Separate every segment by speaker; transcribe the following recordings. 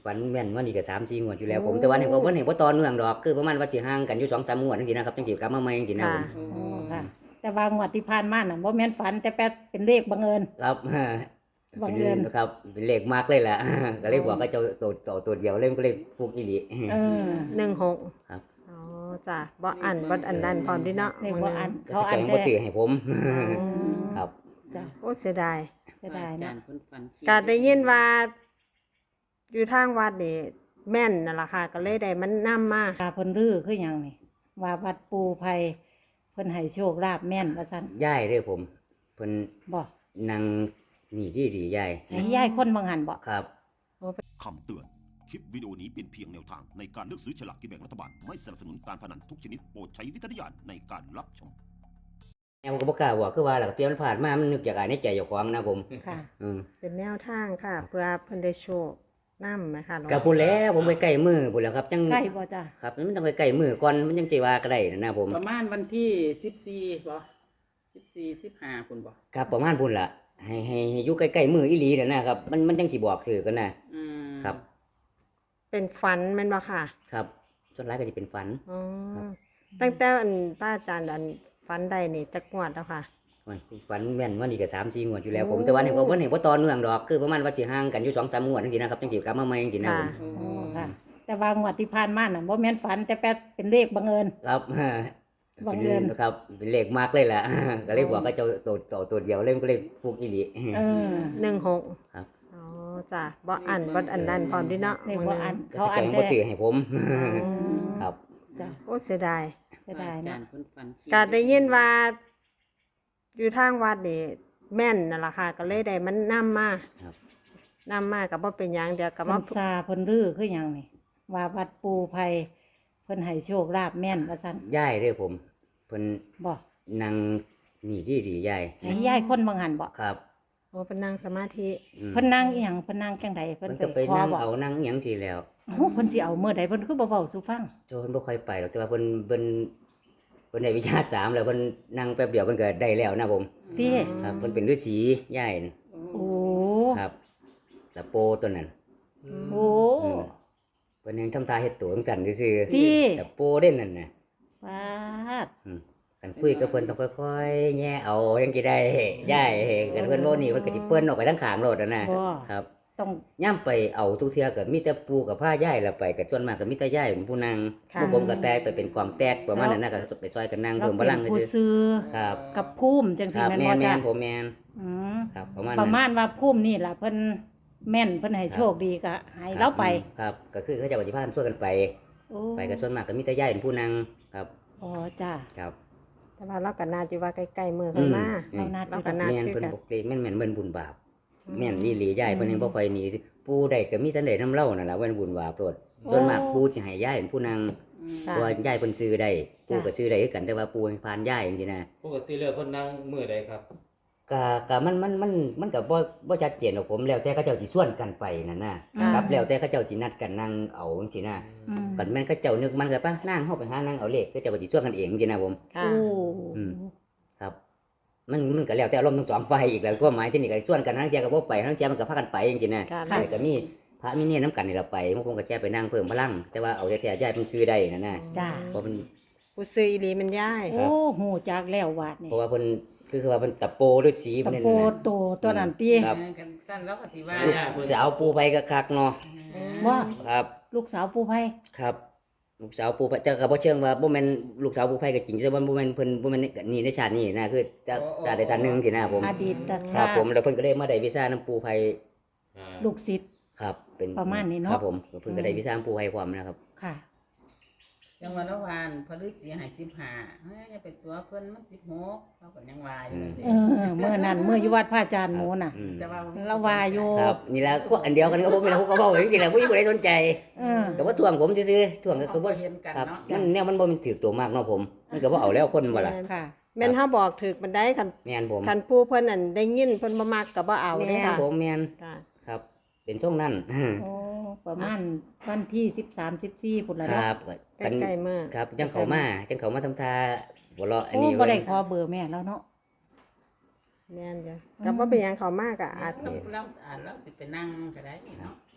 Speaker 1: ฝันแม่นว่านี่ก็3-4งวดอยู่แล้วผมแต่ว่าเนี่ยบ่เห็นบ่ต่อเนื่องดอกคือประมาณว่าสิห่างกันอยู่2-3งวดจังซี่นะครับจังสิกลับมาใหม่จังซี่นะผม
Speaker 2: โอ้ค่ะ แต่ว่างวดที่ผ่านมาน่ะบ่แม่นฝันแต่แป๊บเป็นเลขบังเอิญ
Speaker 1: ครับ
Speaker 2: บังเอิญ
Speaker 1: ครับเป็นเลขมากเลยแหละ ก็เลยบอกว่าเจ้าตัวเดียวเลยมันก็เลยฟุกอีหลี
Speaker 2: เออ
Speaker 3: 16
Speaker 1: ครับ
Speaker 3: อ๋อจ้ะบ่อันนั้นพร้อมดิเนาะ
Speaker 2: เลขบ่อัน
Speaker 1: เขา
Speaker 2: เขาอัน
Speaker 1: บ่
Speaker 2: แท้
Speaker 1: ซื้อให้ผม
Speaker 3: อืม
Speaker 1: ครับ
Speaker 2: จ้ะ
Speaker 3: โอ้เสียดาย
Speaker 2: เสียดาย
Speaker 4: อาจา
Speaker 2: เนาะ
Speaker 4: รย์เพิ่นฝันคิ
Speaker 3: ก็ได้ยินว่า อยู่ทางวัดนี่แม่นนั่นล่ะค่ะก็เลยได้มันนำมา
Speaker 2: ตาเพิ่นรื้อคือหยังนี่ว่าวัดปูไผเพิ่นให้โชคลาภแม่นว่าซั่น
Speaker 1: ย่ายเด้อผมเพิ่น
Speaker 2: บ่
Speaker 1: นั่งนี่ดีๆย่าย
Speaker 2: ใช้ยายคนบางหันบ่
Speaker 1: ครับ
Speaker 5: คำเตือน คลิปวิดีโอนี้เป็นเพียงแนวทางในการเลือกซื้อฉลากกินแบ่งรัฐบาล ไม่สนับสนุนการพนันทุกชนิดโปรดใช้วิจารณญาณในการรับชม
Speaker 1: แอมก็บ่กล้าบอกคือว่าล่ะเปรียบมันผ่านมามันนึกอยากอ่านในใจเจ้าของนะผม
Speaker 2: ค่ะ
Speaker 1: อืม
Speaker 3: เป็นแนวทางค่ะ เพื่อเพิ่นได้โชคนำไหมคะหลวง
Speaker 1: ก็พูดแล้วผมใกล้ๆมือพูดแล้วครับจัง
Speaker 2: ใกล้บ่จ้ะ
Speaker 1: ครับมันต้องใกล้ๆมือก่อนมันจังสิว่าก็ได้นะผม
Speaker 4: ประมาณวันที่14บ่14 15พุ่นบ่
Speaker 1: ครับประมาณพุ่นล่ะให้อยู่ใกล้ๆมืออีหลีนั่นนะครับมันจังสิบอกถือกันนะ
Speaker 4: อืม
Speaker 1: ครับ
Speaker 3: เป็นฝันแม่นบ่ค่ะ
Speaker 1: ครับส่วนร้ายก็จะเป็นฝัน
Speaker 3: อ๋อ
Speaker 1: ครับ
Speaker 3: ตั้งแต่อันป้าอาจารย์อันฝันใดนี่จักงวดแล้วค่ะ
Speaker 1: โอ้ยฝันแม่นว่านี่ก็3-4งวดอยู่แล้วผม
Speaker 3: โอ้
Speaker 1: แต่ว่าเนี่ยบ่เห็นบ่ต่อเนื่องดอกคือประมาณว่าสิห่างกันอยู่2-3งวดจังซี่นะครับจังสิกลับมาใหม่จังซี่นะผม
Speaker 4: โอ้
Speaker 2: โอ้ค่ะ แต่ว่างวดที่ผ่านมาน่ะบ่แม่นฝันแต่แป๊บเป็นเลขบังเอิญ
Speaker 1: ครับ
Speaker 2: บังเอิญ
Speaker 1: ครับเป็นเลขมากเลยแหละ ก็เลยบอกว่าเจ้าตัวเดียวเลยมันก็เลยฟุกอีหลี
Speaker 2: เออ
Speaker 3: 16
Speaker 1: ครับ
Speaker 3: อ๋อจ้ะบ่อันนั้นพร้อมดิเนาะ
Speaker 2: เลขบ่อัน
Speaker 1: เขา
Speaker 2: เขาอัน
Speaker 1: บ่
Speaker 2: แท้
Speaker 1: ซื้อให้ผม
Speaker 3: อืม
Speaker 1: ครับ
Speaker 2: จ้ะ
Speaker 3: โอ้เสียดาย
Speaker 2: เสียดาย
Speaker 4: อาจาร
Speaker 2: เนาะ
Speaker 4: ย์เพิ่นฝันคิ
Speaker 3: ก็ได้ยินว่า อยู่ทางวัดนี่แม่นนั่นล่ะค่ะ ก็เลยได้มันนำมา
Speaker 1: ครับ
Speaker 3: นำมาก็บ่เป็นหยังเดี๋ยวก็
Speaker 2: เพิ่
Speaker 3: มาน
Speaker 2: ซาเพิ่นรื้อคือหยังนี่ว่าวัดปูไผเพิ่นให้โชคลาภแม่นว่าซั่น
Speaker 1: ย่ายเด้อผมเพิ่น
Speaker 2: บ่
Speaker 1: นั่งนี่ดีๆย่าย
Speaker 2: ใช้ยายคนบางหันบ่
Speaker 1: ครับ
Speaker 3: โอ้เป็นนั่งสมาธิ
Speaker 1: อืม
Speaker 2: เพิ่นนั่งอีหยังเพิ่นนั่งจังไดเพิ่
Speaker 1: เพิ่
Speaker 2: น
Speaker 1: น
Speaker 2: เค
Speaker 1: ก็
Speaker 2: ย
Speaker 1: ไป
Speaker 2: ขอ
Speaker 1: นั่ง
Speaker 2: บ่
Speaker 1: เอานั่งอิหยังสิแล้ว
Speaker 2: โอ้เพิ่นสิเอามื้อใดเพิ่นคือบ่เว้าสู่ฟัง
Speaker 1: โจเพิ่นบ่ค่อยไปหรอกแต่ว่าเพิ่นได้วิชา3แล้วเพิ่นนั่งแป๊บเดียวเพิ่นก็ได้แล้วนะผม
Speaker 2: ติ
Speaker 1: ครับเพิ่นเป็นฤาษีย่ายน่ะ
Speaker 2: โอ้
Speaker 1: ครับตะโปตัวนั้น
Speaker 2: โอ้
Speaker 1: อืมเพิ่นยังทำท่าเฮ็ดตัวจังซั่นซื่อ
Speaker 2: ติ
Speaker 1: ๆตะโปเด่นนั่นน่ะ
Speaker 2: ปาด
Speaker 1: กันคุยกับเพิ่นต้องค่อยๆแย่เอาจังสิได้ย้ายกันเพิ่นโน่นนี่เพิ่นก็สิเปิ้นออกไปทางข้างโลดนั่นน่ะ
Speaker 2: บ่
Speaker 1: ครับ
Speaker 2: ต้อง
Speaker 1: ย่ํไปเอาทุกเทื่อก็มีแต่ปู่กับพาย้ายแล้วไปก็ส่วนมากก็มีแต่ย้ายเป็นผู้นั่ง
Speaker 3: ค่ะ
Speaker 1: พวกผมก็แตกไปเป็นความแตกประมาณนั้นน่ะก็ไปซอยกันนั่ง
Speaker 2: เรา
Speaker 1: เพิ่มพ
Speaker 2: เป็
Speaker 1: ลัง
Speaker 2: นผู้
Speaker 1: ซื่อ
Speaker 2: ซื้อ
Speaker 1: ครับ
Speaker 2: กับภูมิจัง
Speaker 1: ค
Speaker 2: ซี่
Speaker 1: รับ
Speaker 2: แม่น
Speaker 1: แม่
Speaker 2: บ่
Speaker 1: น
Speaker 2: จ้ะ
Speaker 1: ๆผมแม่น
Speaker 2: อืม
Speaker 1: ครับประมาณ
Speaker 2: ประ
Speaker 1: นั้น
Speaker 2: มาณว่าภูมินี่ล่ะเพิ่นแม่นเพิ่นให้โชคดีก็ให้เราไป
Speaker 1: ครับก็คือเขาเจ้าก็สิพากันช่วยกันไป
Speaker 2: โอ้
Speaker 1: ไปก็ส่วนมากก็มีแต่ย้ายเป็นผู้นั่งครับ
Speaker 2: อ๋อจ้ะ
Speaker 1: ครับ
Speaker 3: แต่ว่าเราก็น่าจะว่าใกล้ๆมือเพิ่นมา
Speaker 2: เรานัด
Speaker 3: เรา
Speaker 2: อยู่
Speaker 3: ก็
Speaker 2: ดอก
Speaker 3: นัด
Speaker 1: แม่น
Speaker 3: คือ
Speaker 1: เพิ่น
Speaker 3: กัน
Speaker 1: บ่เกรงแม่นเบิ่นบุญบาปแม่นอีหลีย้ายเพิ่นยังบ่ค่อยหนีสิปู่ได้ก็มีแต่ได้นำเล่านั่นล่ะเว้นบุญบาปโปรดส่วนมากปู่สิให้ย้ายเป็นผู้นั่ง
Speaker 4: อืม
Speaker 3: ค่ะ
Speaker 1: เพราะว่าย้ายเพิ่นซื้อได้ปู่ก็ซื้อได้คือกันแต่ว่าปู่ให้ผ่านย้ายจังซี่นะ
Speaker 6: ปกติแล้วเพิ่นนั่งมื้อใดครับ
Speaker 1: ก็มันก็บ่ชัดเจนหรอกผมแล้วแต่เขาเจ้าสิชวนกันไปนั่นน่ะ
Speaker 2: อืม
Speaker 1: ครับแล้วแต่เขาเจ้าสินัดกันนั่งเอาจังซี่นะ
Speaker 2: อืม
Speaker 1: กันแม่นเขาเจ้านึกมันก็ปะนั่งเฮาไปหานั่งเอาเลขเขาเจ้าก็สิชวนกันเองจังซี่นะผม
Speaker 3: ค่ะ
Speaker 2: โอ้
Speaker 1: อืม ครับมันก็แล้วแต่อารมณ์ทั้งสองฝ่ายอีกแล้วความหมายที่นี่ก็ส่วนกันทั้งเที่ยก็บ่ไปทั้งเที่ยมันก็พากันไปจริงๆนะ
Speaker 3: ค่ะ
Speaker 1: แต่ก็มีพระมีเนี่ยน้ำกันนี่เราไปบางคนก็แค่ไปนั่งเพิ่มพลังแต่ว่าเอาแท้ๆย้ายเป็นชื่อได้นั่นน่ะ
Speaker 2: จ้ะ
Speaker 1: เพราะมัน
Speaker 3: ผู้ซื้ออีหลีมันย้าย
Speaker 2: โอ้หูจักแล้ววาดนี่
Speaker 1: เพราะว่าเพิ่นคือว่าเพิ่นตะโปด้วยสี
Speaker 2: ตะ
Speaker 1: เพิ่น
Speaker 2: โพ
Speaker 1: นั่นน่ะ
Speaker 2: โตตัวนั้นติ
Speaker 1: ครับ
Speaker 4: กันสั้นแล้วก็สิว่า
Speaker 1: จะเอาปูไปก็คักเนาะ
Speaker 2: ว่า
Speaker 1: ครับ
Speaker 2: ลูกสาวปู่ไผ
Speaker 1: ครับ ลูกสาวปูไปแต่ก็บ่เชิงว่าบ่แม่นลูกสาวปูไผก็จริงแต่ว่าบ่แม่นเพิ่นบ่แม่นนี่ในชาตินี้นะคือจะชาติใดชาติหนึงที่นะผม
Speaker 2: อดีต
Speaker 1: ค
Speaker 2: ชา
Speaker 1: รับ
Speaker 2: ติ
Speaker 1: ผมแล้วเพิ่นก็ได้มาได้วีซ่านํปูไผ
Speaker 6: อ่า
Speaker 2: ลูกศิษย์
Speaker 1: ครับเป็น
Speaker 2: ประมาณนี้เนาะ
Speaker 1: ครับผมเพิ่นก็ได้วีซ่าปูไผพร้อมนะครับ
Speaker 2: ค่ะ
Speaker 4: จังหวัดละวานพอฤาษีให้15เฮ้ยอย่าไปตัวเพิ่นมัน16เราก็ยังว่าอยู่
Speaker 2: เออเมื่อนั้นเมื่ออยู่วัดพระอาจารย์หมูน่ะ
Speaker 1: อืม
Speaker 4: แต่ว่า
Speaker 2: เราว่าอยู่
Speaker 1: ครับนี่แหละพวกอันเดียวกันก็ผมนี่แหละผมก็เว้าจริงๆแหละผู้ใดสนใจ
Speaker 2: เออ
Speaker 1: ก็บ่ทวงผมซื่อๆทวงก็คือบ่
Speaker 4: เห็นกัน
Speaker 1: ครับ
Speaker 4: เนาะ
Speaker 1: มันแนวมันบ่มันถือตัวมากเนาะผม มันก็บ่เอาแล้วคนว่าล่ะ
Speaker 2: ค่ะ
Speaker 3: แม่นเฮาบอกถึกมันได้คัน
Speaker 1: แม่นผม
Speaker 3: คันผู้เพิ่นนั่นได้ยินเพิ่นบ่มักก็บ่เอาเด้
Speaker 1: แม่น
Speaker 3: ค่ะ
Speaker 1: ผมแม่น
Speaker 3: ค่ะ
Speaker 1: ครับ เป็นช่วงนั้น
Speaker 2: โอ้ประมาณวันที่13 14พุ่นละ
Speaker 1: ค
Speaker 2: เนาะ
Speaker 1: รับ
Speaker 3: ใกล้ๆมื้อ
Speaker 1: ครับจังเขามาทำท่าหัวเราะอัน
Speaker 2: โอ้
Speaker 1: นี้
Speaker 2: บ่ได้ขอเบอร์แม่แล้วเนาะ
Speaker 3: แม่นจ้ะก็บ่เป็นหยังเขามากก็อาจสิ
Speaker 4: แล้วสิไปนั่งก็ได้เนาะ
Speaker 2: ก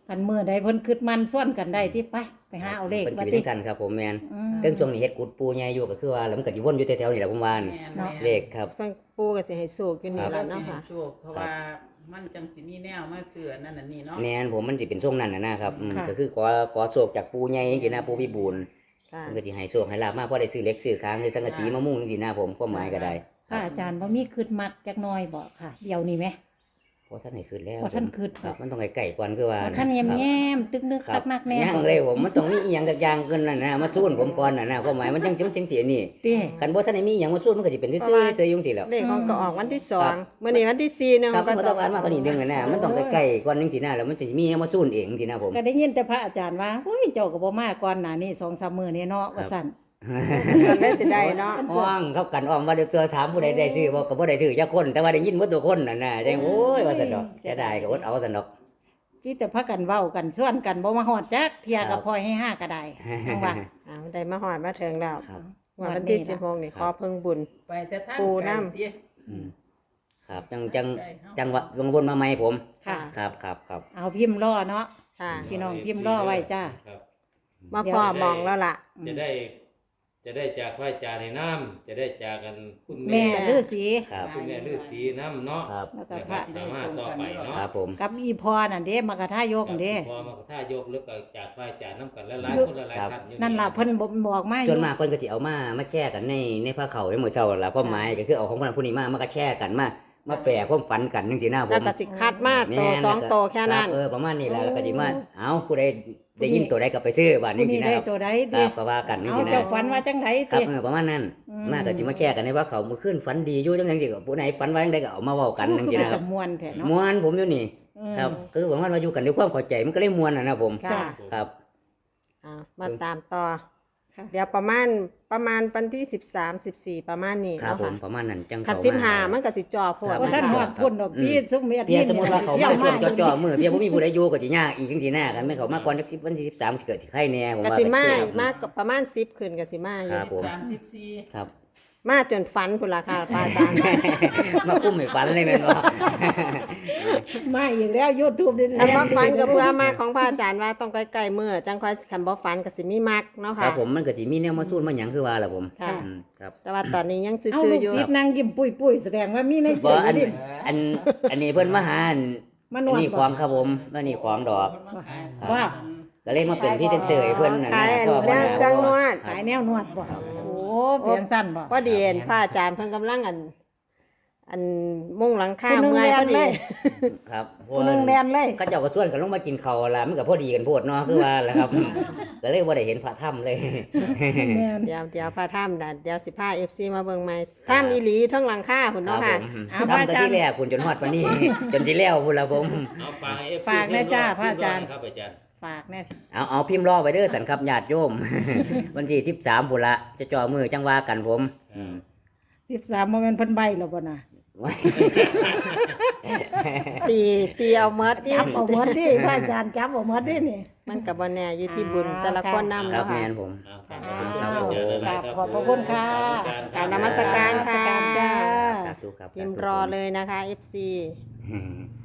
Speaker 2: คันมื้อใดเพิ่นคิดมันส่วนกันได้ที่ไปหาเอาเลข
Speaker 1: เป็น
Speaker 2: ว่า
Speaker 1: ชีวิต
Speaker 2: ติ
Speaker 1: จังซั่นครับผมแม่น
Speaker 2: อืม
Speaker 1: เรื่องช่วงนี้เฮ็ดกุดปูใหญ่อยู่ก็คือว่าแล้วมันก็สิวนอยู่แถวๆนี่แหละผมว่านี่
Speaker 4: แม่น
Speaker 2: เนาะ
Speaker 1: เลขครับ
Speaker 3: เพิ่นปูก็สิให้โชคอยู่นี่
Speaker 4: เรา
Speaker 3: ล่ะ
Speaker 4: สิ
Speaker 3: เนาะ
Speaker 4: ให้
Speaker 3: ค่ะ
Speaker 4: โชคเพราะว่ามันจังสิมีแนวมาเชื่อนั่นน่ะนี่เนาะ
Speaker 1: แม่นผมมันสิเป็นช่วงนั้นน่ะนะครับก็คือขอโชคจากปูใหญ่จังซี่นะปูพิบูล
Speaker 3: ค่ะ
Speaker 1: มันก็สิให้โชคให้ลาบมาพอได้ซื้อเหล็กซื้อค้างซื้อสังกะสีมามุงจังซี่นะผมความหมายก็ได้
Speaker 2: พระอาจารย์บ่มีคิดมักจักหน่อยบ่ค่ะ เดี๋ยวนี้ไหม
Speaker 1: เพราะท่านให้ขึ้นแล้ว
Speaker 2: บ่ทันขึ้น
Speaker 1: ครับมันต้องไกลๆก่อนคือว่า
Speaker 2: บ่ทันแย้มๆตึกนึก
Speaker 1: ครั
Speaker 2: ตั
Speaker 1: บ
Speaker 2: กนักแน่
Speaker 1: ย่างเลยผมมันต้องมีอีหยังสักอย่างเกินนั่นนะมาสู้ผมก่อนน่ะนะความหมายมันจังสิอันนี้
Speaker 2: ติ
Speaker 1: คันบ่ทันได้มีหยังมาสู้มันก็สิเป็นซื่อๆซื่อๆอยู่จังซี่แหล้ว
Speaker 3: เลขของก็ออกวันที่สองมื้อนี้วันที่4เนึง
Speaker 1: ครับ
Speaker 3: ก็
Speaker 1: มันต้องการมาตอนนี้เรื่องน่ะนะมันต้องใกล้ๆก่อนจังซี่นะแล้วมันจะมีหยังมาสู้เองจังซี่นะผม
Speaker 2: ก็ได้ยินแต่พระอาจารย์ว่าโอ้ยเจ้าก็บ่มาก่อนหน้านี้ 2-3 มื้อนี้เนาะว่าซั่น
Speaker 3: มันเลยสิได้เนาะ
Speaker 1: ห้องเขากันอ้อมว่าเดี๋ยวเจอถามผู้ใดได้ซื้อบ่ก็บ่ได้ซื้อจักคนแต่ว่าได้ยินหมดทุกคนน่ะนะจังโอ้ยว่าซั่นดอกจะได้ก็อดเอาซั่นดอก
Speaker 2: พี่แต่พากันเว้ากันส่วนกันบ่มาฮอดจักเที่ย
Speaker 1: ครั
Speaker 2: ก็
Speaker 1: บ
Speaker 2: พลอยให้ห้าก็ได้จังว่า
Speaker 3: ได้มาฮอดมาถึงแล้ว
Speaker 1: ครับ
Speaker 3: วันที่
Speaker 2: วันนี้ล่ะ
Speaker 3: 16นี่ขอเพิ่งบุญ
Speaker 4: ไปแต่ทาง
Speaker 3: ปู
Speaker 4: ไกล
Speaker 3: น้ำ
Speaker 4: เด้
Speaker 1: อืมครับจังหวะวงวนมาใหม่ผม
Speaker 2: ค่ะ
Speaker 1: ครับ
Speaker 2: เอาพิมพ์รอเนาะ
Speaker 3: ค่ะ
Speaker 2: พี่น้องพิมพ์รอไว้จ้า
Speaker 6: ครับ
Speaker 3: มาพ่อมองแล้วล่ะ
Speaker 6: จะได้จากพระอาจารย์ในน้ำจะได้จากกันคุณ
Speaker 2: แม่
Speaker 6: แม่
Speaker 2: ฤาษี
Speaker 1: ครับ
Speaker 6: คุณแม่ฤาษีน้ำเนาะ
Speaker 1: ครับ
Speaker 2: แล้วก็
Speaker 6: แล้ว
Speaker 2: พ
Speaker 6: ก็
Speaker 2: ระ
Speaker 6: สามารถต่อไปเนาะ
Speaker 1: ครับผม
Speaker 2: กับอีพอนั่นเด้มากระทายกนั่นเด้
Speaker 6: พอมาถ้ายกแล้วก็จากพระอาจารย์น้ำกันหลายๆคนหลายๆท่านอยู่
Speaker 2: นั่นล่ะเพิ่นบอกมาอ
Speaker 1: ส่วน
Speaker 2: ยู่
Speaker 1: มากเพิ่นก็สิเอามาแชร์กันในผ้าเขาวในหมู่เช้าล่ะความหมายก็คือเอาของคนนั้นผู้นี้มาก็แชร์กันมาแปลความฝันกันจังซี่นะผม
Speaker 3: แล้วก็สิคัดมาโตสองโตแค่นั้น
Speaker 1: รับประมาณนี้แหละแล้วก็สิมาเอ้าผู้ใดได้ยินตัวใดก็ไปซื้อบัดนี้
Speaker 2: ผู้
Speaker 1: สิ
Speaker 2: นี้
Speaker 1: นะ
Speaker 2: ได้
Speaker 1: ครับ
Speaker 2: ตัวใด
Speaker 1: ค
Speaker 2: ติ
Speaker 1: รับก็ว่ากันจัง
Speaker 2: เอา
Speaker 1: ซี่นะ
Speaker 2: เจ้าฝันว่าจังได
Speaker 1: ครับ
Speaker 2: ติ
Speaker 1: ประมาณนั้น
Speaker 2: อืม
Speaker 1: มาก็สิมาแชร์กันในว่าเขามื้อคืนฝันดีอยู่จังซี่ก็ผู้ไหนฝันว่าจังไดก็เอามาเว้ากันจังซี่นะค
Speaker 2: กั
Speaker 1: รั
Speaker 2: บบ มวนแท้เนาะ
Speaker 1: ม่วนผมอยู่นี่
Speaker 2: อืม
Speaker 1: ครับคือประมาณว่าอยู่กันด้วยความเข้าใจมันก็เลยม่วนนะผม
Speaker 3: ค่ะ
Speaker 1: ครับ
Speaker 3: มาตามต่อ
Speaker 2: ค่ะ
Speaker 3: เดี๋ยวประมาณวันที่13 14ประมาณนี้
Speaker 1: ครับ
Speaker 3: เนาะ
Speaker 1: ผ
Speaker 3: ค่ะ
Speaker 1: มประมาณนั้นจัง
Speaker 3: คัด
Speaker 1: เข้ามา
Speaker 3: 15มันก็สิจ่อโพด
Speaker 1: ครับ
Speaker 2: ว่าท่านฮอดพุ่นดอกพี่ซุมเมีย
Speaker 1: เพียงสมมุติว่าเขามาช่วง
Speaker 2: ที่ยว
Speaker 1: จ่อๆมื้อเพียงบ่มีผู้ใดอยู่ก็สิยากอีกจังซี่นะกันไม่เขามาก่อนจัก10วันที่13สิเกิดสิไข่แน่ผม
Speaker 3: ก็
Speaker 1: ว่า
Speaker 3: สิมา
Speaker 1: ครับ
Speaker 3: มากประมาณ10ขึ้นก็สิมาอ
Speaker 1: ครั
Speaker 3: ยู่
Speaker 1: บ ผม
Speaker 4: 34
Speaker 1: ครับ
Speaker 3: มาจนฝันพุ่นล่ะค่ะพระอาจารย์
Speaker 1: มาคุ้มให้ฝันเลยแม่นบ่
Speaker 2: มาอีกแล้ว YouTube นี่
Speaker 3: อันบ่ฝันก็เพื่อมาของพระอาจารย์ว่าต้องใกล้ๆมื้อจังค่อยคันบ่ฝันก็สิมีมักเนาะ
Speaker 1: ค
Speaker 3: ค่ะ
Speaker 1: รับผมมันก็สิมีแนวมาสู้มาหยังคือว่าล่ะผม
Speaker 3: ค่ะ
Speaker 1: ครับ
Speaker 3: แต่ว่าตอนนี้ยัง
Speaker 2: เอา
Speaker 3: ซื่อ
Speaker 2: ลู
Speaker 3: ๆ
Speaker 2: ก
Speaker 3: อยู่
Speaker 2: ศิษย์นั่งยิ้มปุ้ยๆแสดงว่ามีในใจ
Speaker 1: บ่อัน
Speaker 2: นี่
Speaker 1: อันนี้เพิ่นมาหาอัน
Speaker 2: มานวด
Speaker 1: นี่ของครับผมแล้วนี่ของดอก
Speaker 2: ว่า
Speaker 1: ก็เลยมาเป็นพรี่เซนเตอร์ให้เพิ่นน่ะ
Speaker 3: ขาย
Speaker 1: นะ
Speaker 3: อัน
Speaker 1: ก็
Speaker 3: แนวเครื่องนวด
Speaker 2: ขายแนวนวดบ่โอ้เปลี่ยนสั้นบ่
Speaker 3: พอดีเห็นพระอาจารย์เพิ่นกำลังอันมุงหลังคา
Speaker 2: ผู้หนึง
Speaker 3: เมื่อย
Speaker 2: แล
Speaker 3: พอน ดี
Speaker 2: เลย
Speaker 1: ครับ
Speaker 2: ผู้หนึงแลนเลย
Speaker 1: ก็เจ้าก็ส่วนกันลงมากินข้าวล่ะมันก็พอดีกันโพดเนาะคือว่าล่ะครับก็เลยบ่ได้เห็นพระถ้ำเลย
Speaker 2: แม่น
Speaker 3: เดี๋ยวพาถ้ำนะเดี๋ยวสิพา FC มาเบิ่งใหม่ถ้ำอีหลีทั้งหลังคาพุ่น
Speaker 1: ครั
Speaker 3: เนาะ
Speaker 1: บผ
Speaker 3: ค่ะ
Speaker 1: มทำแต่ที่แรกคุณจนฮอดปานนี้ จนสิแล้วพุ่นล่ะผม
Speaker 6: เอาฝากให้ FC
Speaker 2: ฝากแน่จ้าพระอาจารย์
Speaker 6: ครับอาจารย์
Speaker 2: ฝากแน่
Speaker 1: เอาพิมพ์รอไว้เด้อสันครับญาติโยม วันที่13พุ่นละจะจ่อมือจังว่ากันผม
Speaker 2: 13บ่แม่นเพิ่นใบแล้วบ่น่ะ
Speaker 3: ตีเอาเมดดิ
Speaker 2: จับเอาหมดดิพระอาจารย์จับเอาหมดดินี่
Speaker 3: มันก็บ่แน่อยู่ที่บุญแต่ละคนนำ
Speaker 1: ครับ
Speaker 3: เนาะ
Speaker 1: แม
Speaker 3: ค่ะ
Speaker 1: นผม
Speaker 2: ขอบพระคุณค่ะ
Speaker 3: กราบนมัสการค่ะ
Speaker 2: นมัสการจ้า
Speaker 1: สาธุครับ
Speaker 3: พิมพ์รอเลยนะคะ FC